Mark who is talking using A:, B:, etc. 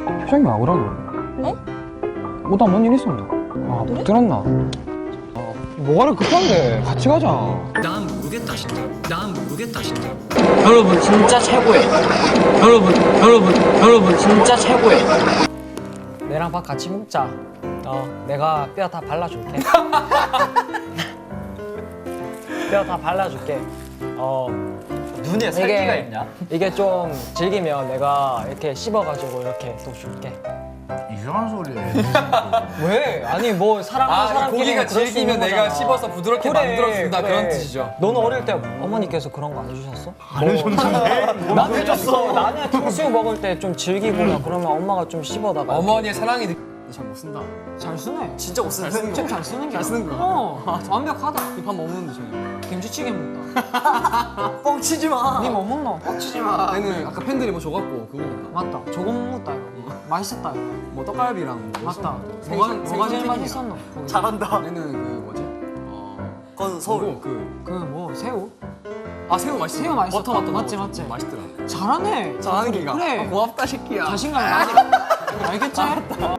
A: 표정이 왜 그러노?
B: 어?
A: 뭐다 뭔 일 있었나? 아, 못 들었나? 뭐가 이렇게 급한데? 같이 가자.
C: 난 모르겠다 진짜. 난 모르겠다 진짜.
D: 여러분 진짜 최고예요. 여러분 진짜 최고예요.
E: 내랑 밥 같이 먹자. 내가 뼈 다 발라줄게. 뼈 다 발라줄게.
D: 눈에 살기가 있냐?
E: 이게 좀 질기면 내가 이렇게 씹어가지고 이렇게 또 줄게.
F: 이상한 소리해.
E: 왜? 아니 뭐 사랑하는 사람끼리
G: 고기가
E: 그럴 수 있는
G: 질기면 내가
E: 거잖아.
G: 씹어서 부드럽게 만들어준다 그런 뜻이죠.
E: 너는 어릴 때 어머니께서 그런 거 안 해주셨어?
F: 안 해줬는데?
E: 난 해줬어. 나는 탕수육 먹을 때 좀 질기고 막 그러면 엄마가 좀 씹어다가
G: 어머니의 사랑이 잘 못 쓴다.
E: 잘 쓰네.
G: 진짜 못 쓰는
E: 좀 잘 쓰는 게
G: 잘 쓰는 거야.
E: 완벽하다.
G: 밥 뭐 먹는데 저는.
E: 김치찌개 먹다.
D: 뻥치지 마.
E: 니 뭐 먹노?
G: 빡치지 마. 얘는 아까 팬들이 뭐 줘갖고 그거 먹다.
E: 맞다. 저거 먹었다 이거. 맛있었다 이거.
G: 뭐 떡갈비랑 뭐
E: 맞다.
G: 있었는데.
E: 뭐가 제일
G: 생선튀김이랑.
E: 맛있었노?
D: 잘한다.
G: 얘는 그 뭐지?
D: 그건 서울.
G: 그거
E: 그 뭐 새우?
G: 새우 맛있어.
E: 새우 맛있었다.
G: 버터 맛도
E: 맞지,
G: 나고
E: 맞지?
G: 맛있더라.
E: 잘하네.
G: 잘하는 기가.
E: 그래.
G: 고맙다 새끼야.
E: 자신감이 나지. 알겠지?